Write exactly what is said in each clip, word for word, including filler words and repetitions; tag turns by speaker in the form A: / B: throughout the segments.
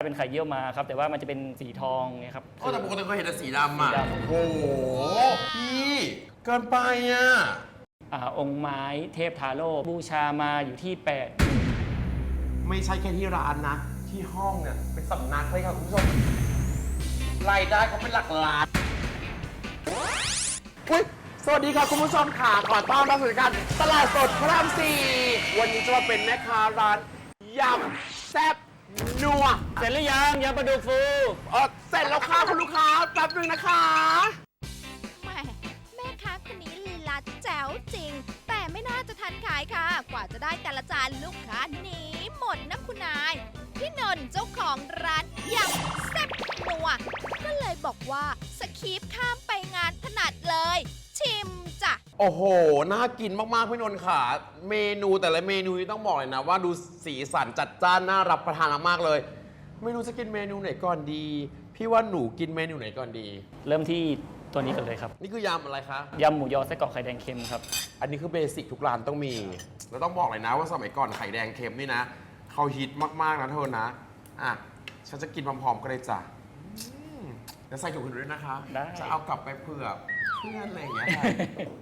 A: เป็นไข่เยี่ยวมาครับแต่ว่ามันจะเป็นสีทองไงครับ
B: ก็แต่ปกติเคยเห็นแต่สีดำอ่ะ
A: สีดำ
B: โอ้โหพี่เกินไปอ่ะ
A: อ่าองค์ไม้เทพทาโร่บูชามาอยู่ที่แปด
B: ไม่ใช่แค่ที่ร้านนะ ที่ห้องเนี่ยเป็นสำนักเลยค่ะคุณผู้ชมรายได้เขาเป็นหลักล้านอุ๊ยสวัสดีค่ะคุณผู้ชมค่ะขอต้อนรับสู่รายการตลาดสดพระรามสี่วันนี้จะมาเป็นแม่ค้าร้านยำแซ่บนัว
A: เสร็จหรือยังยำปลาดุกฟู
B: เออเสร็จแล้วค่ะคุณลูกค้าแป๊บนึงนะคะ
C: แม่แม่ค้าคนนี้ลีลาแจ๋วจริง แต่ไม่น่าจะทันขายค่ะ กว่าจะได้แต่ละจานลูกค้าหนีหมดนะคุณนาย พี่นนท์เจ้าของร้านยำแซ่บนัวก็เลยบอกว่าสคีปข้ามไปงานถนัดเลย ชิมจ้ะ
B: โอ้โห น่ากินมากๆพี่นนท์ค่ะ เมนูแต่ละเมนูนี่ต้องบอกเลยนะว่าดูสีสันจัดจ้านน่ารับประทานมากๆเลย ไม่รู้จะกินเมนูไหนก่อนดี พี่ว่าหนูกินเมนูไหนก่อนดี
A: เริ่มที่ตัวนี้กันเลยครับ
B: นี่คือยำอะไรคะ
A: ยำหมูยอไส้กรอกไข่แดงเค็มครับ
B: อันนี้คือเบสิกทุกร้านต้องมี แล้วต้องบอกเลยนะว่าสมัยก่อนไข่แดงเค็มนี่นะเขาฮิตมากๆนะเธอนะ อ่ะ ฉันจะกินพร้อมๆกันเลยจ้ะอืมเดี๋ยวใส่ถุงอื่นด้วยนะคะ
A: ได้
B: จะเอากลับไปเผื่อเพื่อนอะไรอย่างเงี้ยค่ะ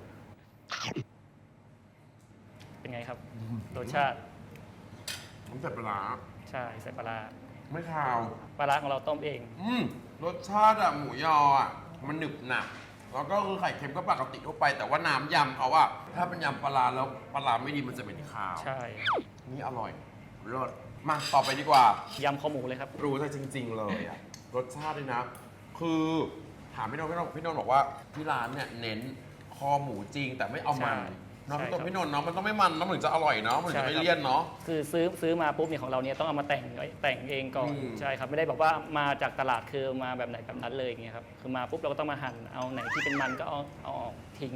A: เป็นไงครับรสชาติ
B: ผมใส่ปลาร้า
A: ใช่ใส่ปลาร้า
B: ไม่คาว
A: ปลาร้าของเราต้มเอง
B: อืมรสชาติอะหมูยออะมันหนึบหนับแล้วก็คือไข่เค็มก็ปกติทั่วไป แต่ว่าน้ำยำเขาอะถ้าเป็นยำปลาร้าแล้วปลาร้าไม่ดีมันจะเป็นคาว
A: ใช่
B: นี่อร่อยรสมาต่อไปดีกว่าย
A: ำข้าวหมูเลยครับ
B: รู้ใจจริง ๆ เลยอะรสชาติเลยนะ คือถามพี่นนท์พี่นนท์พี่นนท์บอกว่าที่ร้านเนี่ยเน้นคอหมูจริง แต่ไม่เอามัน
A: ใช่
B: เนาะ
A: ใช่
B: พี่นน
A: ครับ
B: ท์พี่นนท์เนาะมันต้องไม่มันเนาะมันถึงจะอร่อยเนาะมันถึงจะไม่เลี่ยนเนาะ
A: คือซื้อซื้อมาปุ๊บเนี่ยของเราเนี่ยต้องเอามาแต่งไว้แต่งเองก่อน
B: อืม
A: ใช่ครับไม่ได้บอกว่ามาจากตลาดคือมาแบบไหนแบบนั้นเลยอย่างเงี้ยครับคือมาปุ๊บเราก็ต้องมาหั่นเอาไหนที่เป็นมันก็เอาเอาออกทิ้ง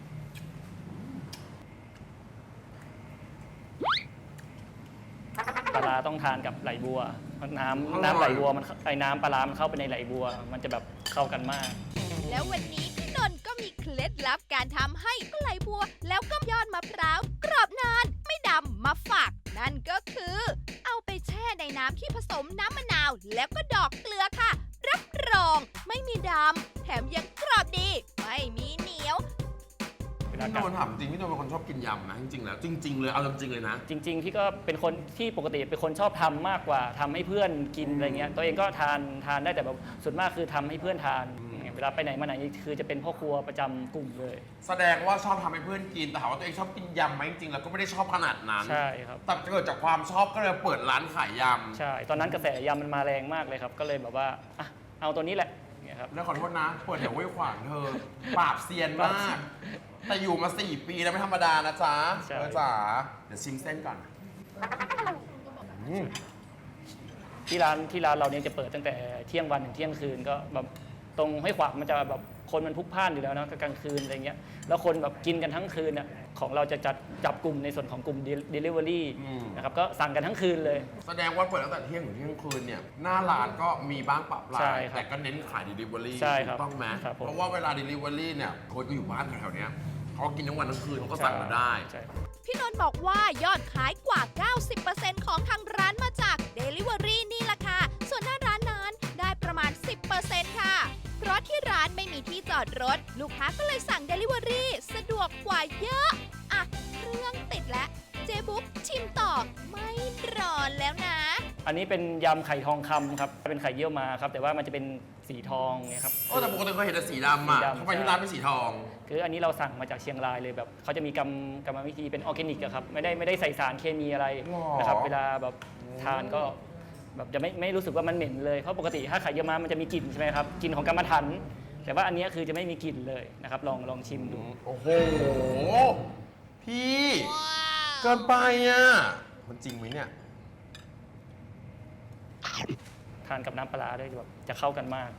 A: ปลาร้าต้องทานกับไหลบัวเพราะน้ำน้ำไหลบัวมันไอ้น้ำปลาร้ามันเข้าไปในไหลบัว มันจะแบบเข้ากันมาก
C: แล้ววันนี้พี่นนท์ก็มีเคล็ดลับการทำให้ไหลบัว แล้วก็ยอดมะพร้าวกรอบนานไม่ดำมาฝาก นั่นก็คือ เอาไปแช่ในน้ำที่ผสมน้ำมะนาว แล้วก็ดอกเกลือค่ะ รับรองไม่มีดำแถมยังกรอบดี ไม่มีเหนียว
B: พี่นนท์ถามจริงพี่นนท์เป็นคนชอบกินยำนะจริงๆแล้วจริง ๆ เลยเอาจริงๆเลยนะ
A: จริงๆพี่ก็เป็นคนที่ปกติเป็นคนชอบทำมากกว่าทำให้เพื่อนกินอะไรเงี้ยตัวเองก็ทานทานได้แต่แบบส่วนมากคือทำให้เพื่อนทาน
B: อืม
A: เวลาไปไหนมาไหนคือจะเป็นพ่อครัวประจำกลุ่มเลย
B: แสดงว่าชอบทำให้เพื่อนกินแต่ถามว่าตัวเองชอบกินยำไหมจริงๆแล้วก็ไม่ได้ชอบขนาดนั้น
A: ใช่ครับ
B: แต่เกิดจากความชอบก็เลยเปิดร้านขายยำ
A: ใช่ตอนนั้นกระแสยำมันมาแรงมากเลยครับ ก็เลยแบบว่าอ่ะเอาตัวนี้แหละอย่างเงี้ยครับ
B: แล้วขอโทษนะ เปิดแถวห้วยขวางเธอ ปราบเซียนมาก แต่อยู่มาสี่ปีแล้วไม่ธรรมดานะจ๊ะ
A: ใช่
B: เออจ๋าเดี๋ยวชิมเส้นก่อนอืม
A: ที่ร้านที่ร้านเราเนี่ยจะเปิดตั้งแต่เที่ยงวันถึงเที่ยงคืนก็แบบตรงห้วยขวางมันจะแบบคนมันพลุกพล่านอยู่แล้วเนอะก็กลางคืนอะไรเงี้ยแล้วคนแบบกินกันทั้งคืนอ่ะของเราจะจัดจับกลุ่มในส่วนของกลุ่ม delivery นะครับก็สั่งกันทั้งคืนเลย
B: แสดงว่าเปิดตั้งแต่เที่ยงถึงเที่ยงคืนเนี่ยหน้าร้านก็มีบ้างปรับรา
A: ใช่
B: ย
A: ครับ
B: แต่ก็เน้นขาย delivery
A: ใช่ครับ
B: ถูกต้องไหม
A: ครับผม
B: เพราะว่าเวลา delivery เนี่ยคนก็อยู่บ้านแถวๆเนี้ยเขากินทั้งวันทั้งคืนเขาก็สั่งมาได้
A: ใช่
C: พี่นนท์บอกว่ายอดขายกว่า เก้าสิบเปอร์เซ็นต์ ของทางร้านมาจาก Delivery นี่แหละค่ะ ส่วนหน้าร้านนั้นได้ประมาณ สิบเปอร์เซ็นต์ ค่ะ เพราะที่ร้านไม่มีที่จอดรถ ลูกค้าก็เลยสั่ง Delivery สะดวกกว่าเยอะ อ่ะ เครื่องติดแล้ว เจ๊บุ๊กชิมต่อไม่รอแล้วนะ
A: อันนี้เป็นยำไข่ทองคำครับเป็นไข่เยี่ยวมาครับแต่ว่ามันจะเป็นสีทองไงครับ
B: โอ้แต่ปกติเคยเห็นแต่สีดำอ่ะ
A: สีดำ
B: ทำไมที่ร้านเป็นสีทอง
A: คืออันนี้เราสั่งมาจากเชียงรายเลยแบบเขาจะมีกรรมกรรมวิธีเป็นออร์แกนิกอะครับไม่ได้ไม่ได้ใส่สารเคมีอะไร
B: หรอ
A: นะครับเวลาแบบทานก็แบบจะไม่ไม่รู้สึกว่ามันเหม็นเลยเพราะปกติถ้าไข่เยี่ยวม้ามันจะมีกลิ่นใช่ไหมครับกลิ่นของกรรมฐานแต่ว่าอันนี้คือจะไม่มีกลิ่นเลยนะครับลองลองชิมดู
B: โอ้โห พี่เกินไปอ่ะ มันจริงไหมเนี่ย
A: ทานกับน้ำปลาร้าได้แบบจะเข้ากันมาก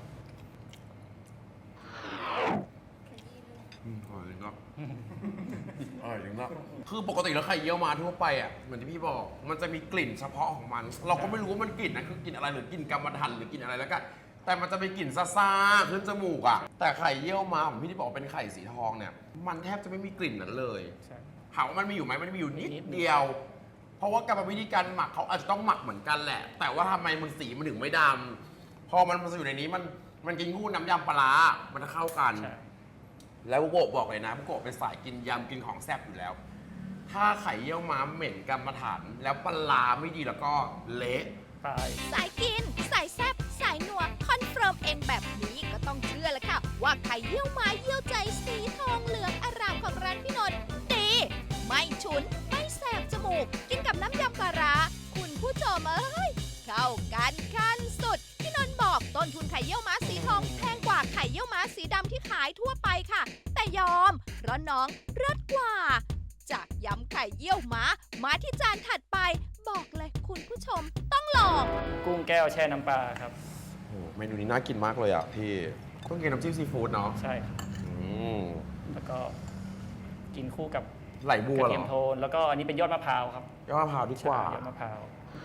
B: อืมอร่อยจริงก็ อร่อยจริงก็คือปกติแล้วไข่เยี่ยวมาทั่วไปอ่ะเหมือนที่พี่บอก มันจะมีกลิ่นเฉพาะของมัน เราก็ไม่รู้ว่ามันกลิ่นนะคือกลิ่นอะไรหรือกลิ่นกรรมฐานหรือกลิ่นอะไรแล้วกันแต่มันจะมีกลิ่นซ่าๆขึ้นจมูกอ่ะแต่ไข่เยี่ยวมาของพี่ที่บอกเป็นไข่สีทองเนี่ย มันแทบจะไม่มีกลิ่นนั้นเลย
A: ใช่
B: ถามว่ามันมีอยู่ไหมมันมีอยู่นิด
A: นิดเดี
B: เดี
A: ย
B: ยว ว พราะว่ากรรมวิธีการหมักเขาอาจจะต้องหมักเหมือนกันแหละ แต่ว่าทำไมมันสีมันถึงไม่ดำพอมันมาอยู่ในนี้มันมันกินคู่น้ำยำปลาร้ามันจะเข้ากัน แล้วบุโกะบอกเลยนะบุโกะเป็นสายกินยำกินของแซ่บอยู่แล้ว ถ้าไข่เยี่ยวม้าเหม็นกรรมฐานแล้วปลาร้าไม่ดีแล้วก็เละ
A: ตาย
C: สายกิน สายแซ่บสายนัวคอนเฟิร์มเองแบบนี้ก็ต้องเชื่อแหละค่ะ ว่าไข่เยี่ยวม้าเยี่ยวใจสีทองเหลืองอร่ามของร้านพี่นนท์ดีไม่ฉุน ไม่แสบจมูก กินกับน้ำยำปลาร้าคุณผู้ชมเอ้ย เข้ากันขั้นสุด พี่นนท์บอกต้นทุนไข่เยี่ยวม้าสีทองแพงกว่าไข่เยี่ยวม้าสีดำที่ขายทั่วไปค่ะ แต่ยอม เพราะน้องเลิศกว่า จากยำไข่เยี่ยวม้ามาที่จานถัดไป บอกเลยคุณผู้ชมต้องลอง
A: กุ้งแก้วแช่น้ำปลาครับ
B: โอ้เมนูนี้น่ากินมากเลยอ่ะพี่ต้องกินน้ำจิ้มซีฟู้ดเนาะ
A: ใช่ครับ
B: อืม
A: แล้วก็กินคู่กับ
B: ไหลบัว
A: กระ
B: เหร
A: เทียม
B: อ
A: โทน แล้วก็อันนี้เป็นยอดมะพร้าวครับ
B: ยอดมะพร้าวดีกว่า
A: ใช่ยอดมะพร้าว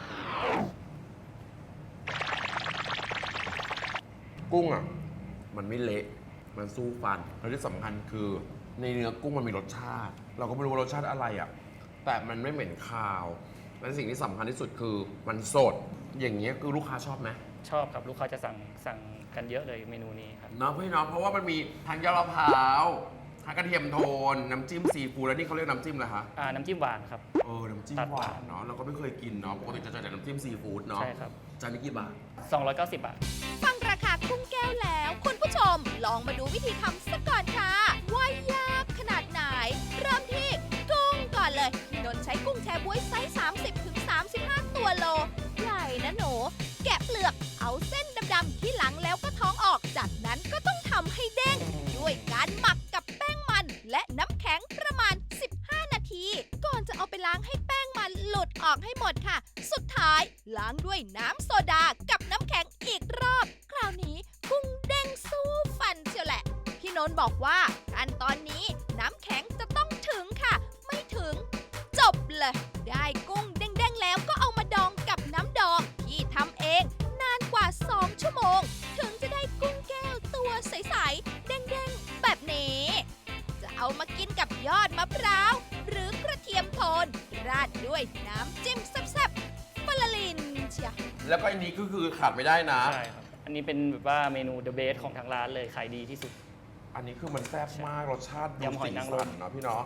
B: กุ้งอ่ะมันไม่เละมันสู้ฟันแล้วที่สำคัญคือในเนื้อกุ้งมันมีรสชาติ เราก็ไม่รู้ว่ารสชาติอะไรอ่ะแต่มันไม่เหม็นคาว และสิ่งที่สำคัญที่สุดคือมันสดอย่างเงี้ยคือลูกค้าชอบไหม
A: ชอบครับลูกค้าจะสั่งสั่งกันเยอะเลยเมนูนี้ครับ
B: เนาะพี่เนาะเพราะว่ามันมีทั้งยอดมะพร้าวทั้งกระเทียมโทนน้ำจิ้มซีฟู้ดแล้วนี่เขาเรียกน้ำจิ้มอะไรคะ
A: อ่าน้ำจิ้มหวานครับ
B: เออน้ำจิ้ม
A: ตัด
B: ห
A: หวาว
B: าน นเนาะเราก็ไม่เคยกินเนาะปกติจะเจอแต่น้ำจิ้มซีฟู้ดเนาะ
A: ใช่ครับ
B: จานนี้กี่บาท
A: สองร้อยเก้าสิบบาท
C: ฟังราคากุ้งแก้วแล้ว คุณผู้ชมลองมาดูวิธีทำสักก่อนค่ะ ว่ายากขนาดไหน เริ่มที่กุ้งก่อนเลยพี่นนท์ใช้กุ้งแชบ๊วยไซส์ สามสิบถึงสามสิบห้า ตัวโล ใหญ่นะหนู แกะเปลือกเอาเส้นดำๆที่หลังแล้วก็ท้องออก จากนั้นก็ต้องทำให้เด้ง ด้วยการหมักกับแป้งมัน และน้ำแข็งประมาณ สิบห้า นาที ก่อนจะเอาไปล้างให้แป้งมันหลุดออกให้หมดค่ะ สุดท้ายล้างด้วยน้ำโซดากับน้ำแข็งอีกรอบ คราวนี้กุ้งเด้งสู้ฟันเชียวแหละ พี่นนท์บอกว่าขั้นตอนนี้น้ำแข็งจะต้องถึงค่ะ ไม่ถึง จบเลย ได้กุ้งเด้งๆแล้วก็เอามาดองกับน้ำดองที่ทำเองนานกว่า สอง ชั่วโมง ถึงจะได้กุ้งแก้วตัวใสๆเด้งๆแบบนี้ จะเอามากินกับยอดมะพร้าว หรือกระเทียมโทน ราดด้วยน้ำจิ้มแซ่บๆปลาลินเชีย
B: แล้วก็อันนี้ก็คือขาดไม่ได้นะ
A: ใช่ครับ อันนี้เป็นแบบว่าเมนู the best ของทางร้านเลยขายดีที่สุด
B: อันนี้คือมันแซ่บมากรสชาติดู
A: ยำหอยนางรม
B: สีสัเนาะพี่เนาะ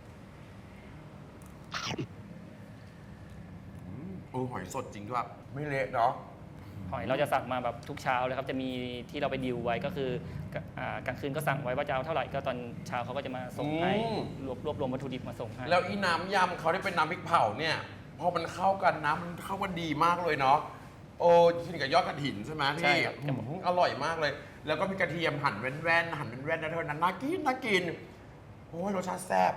B: อืมเออหอยสดจริงด้วยไม่เละเนาะ
A: หอยเราจะสั่งมาแบบทุกเช้าเลยครับ จะมีที่เราไปดิวไว้ก็คืออ่ากลางคืนก็สั่งไว้ว่าจะเอาเท่าไหร่ก็ตอนเช้าเขาก็จะมาส่งให้
B: อืม
A: รวบรวบรวมวัตถุดิบมาส่งให้
B: แล้วอีน้ำยำเขาได้เป็นน้ำพริกเผาเนี่ยพอมันเข้ากันน้ำมันเข้ากันดีมากเลยเนาะโอ้กินกับยอดกระถินใช่ไหม
A: ใช่
B: พี่
A: ครับ
B: อืมอร่อยมากเลย แล้วก็มีกระเทียมหั่นแว่นๆหั่นแว่นๆนะเท่านั้นน่ากินน่ากินโอ้ยรสชาติแซ่บ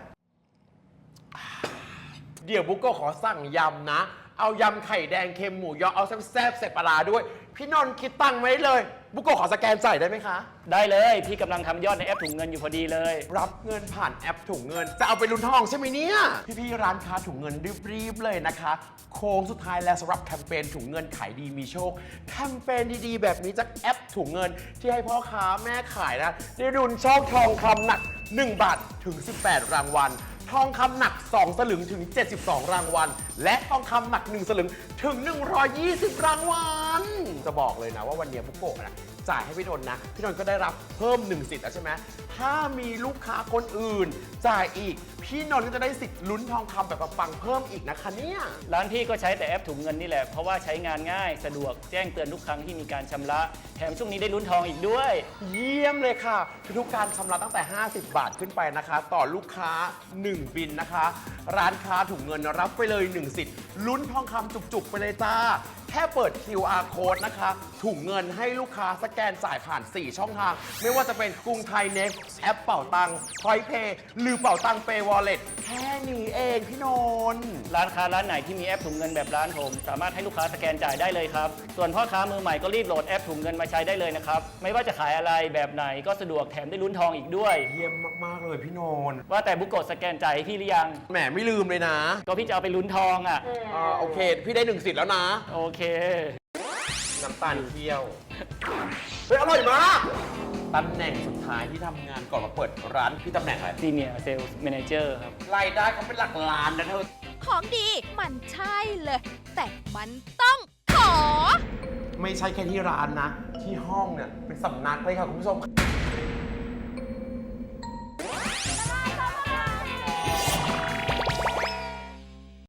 B: เดี๋ยวบุ๊กก็ขอสั่งยำนะ เอายำไข่แดงเค็มหมูยอเอาแซ่บๆใส่ปลาร้าด้วย พี่นนท์คิดตังค์ไว้เลย บุ๊กโกะขอสแกนจ่ายได้ไหมคะ
A: ได้เลยพี่กำลังทำยอดในแอปถุงเงินอยู่พอดีเลย
B: รับเงินผ่านแอปถุงเงิน จะเอาไปลุ้นทองใช่ไหมเนี่ย พี่ๆร้านค้าถุงเงินรีบๆเลยนะคะ โค้งสุดท้ายแล้วสำหรับแคมเปญถุงเงินขายดีมีโชค แคมเปญดีๆ แบบนี้จากแอปถุงเงิน ที่ให้พ่อค้าแม่ขายนะ ได้รุนโชคทองคำหนัก หนึ่ง บาทถึง สิบแปด รางวัล ทองคำหนัก สอง สลึงถึง เจ็ดสิบสอง รางวัล และทองคำหนัก หนึ่ง สลึงถึง หนึ่งร้อยยี่สิบ รางวัล จะบอกเลยนะว่าวันนี้บุ๊กโกะนะ จ่ายให้พี่นนท์นะ พี่นนท์ก็ได้รับเพิ่มหนึ่งสิทธิ์แล้วใช่ไหมถ้ามีลูกค้าคนอื่น จ่ายอีก พี่นนท์ก็จะได้สิทธิ์ลุ้นทองคำแบบปังๆเพิ่มอีกนะคะเนี่ย
A: ร้านพี่ก็ใช้แต่แอปถุงเงินนี่แหละ เพราะว่าใช้งานง่ายสะดวกแจ้งเตือนทุกครั้งที่มีการชำระ แถมช่วงนี้ได้ลุ้นทองอีกด้วย
B: เยี่ยมเลยค่ะทุกการชำระตั้งแต่ ห้าสิบบาทขึ้นไปนะคะ ต่อลูกค้า หนึ่ง บินนะคะ ร้านค้าถุงเงินรับไปเลย หนึ่ง สิทธิ์ลุ้นทองคำจุกๆ ไปเลยจ้า แค่เปิด คิว อาร์ Code นะคะ ถุงเงินให้ลูกค้าสแกนจ่ายผ่าน สี่ ช่องทาง ไม่ว่าจะเป็นกรุงไทยเน็กแอปเป่าตังพอยเพย์หรือเป่าตังเปย์วอลเล็ตแค่นี้เองพี่นนท์
A: ร้านค้าร้านไหนที่มีแอปถุงเงินแบบร้านผม สามารถให้ลูกค้าสแกนจ่ายได้เลยครับ ส่วนพ่อค้ามือใหม่ก็รีบโหลดแอปถุงเงินมาใช้ได้เลยนะครับ ไม่ว่าจะขายอะไรแบบไหนก็สะดวกแถมได้ลุ้นทองอีกด้วย
B: เยี่ยมมากๆเลยพี่นนท์
A: ว่าแต่บุกโกะสแกนจ่ายให้พี่หรือยัง
B: แหมไม่ลืมเลยนะ
A: ก็พี่จะเอาไปลุ้นทองอ่ะ
B: อ่าโอเค พี่ได้หนึ่งสิทธิ์แล้วนะ
A: โอเค
B: น้ำตาลเคี่ยว เฮ้ย อร่อยมาก อตำแหน่งสุดท้ายที่ทำงานก่อนมาเปิดร้านพี่ตำแหน่งอะไร
A: ซีเนียร์เซลส์แมเนเจอร์ครับ
B: รายได้เขาเป็นหลักล้านนะเธอ
C: ของดีมันใช่เลย แต่มันต้องขอ
B: ไม่ใช่แค่ที่ร้านนะ ที่ห้องเนี่ยเป็นสำนักเลยค่ะคุณผู้ชม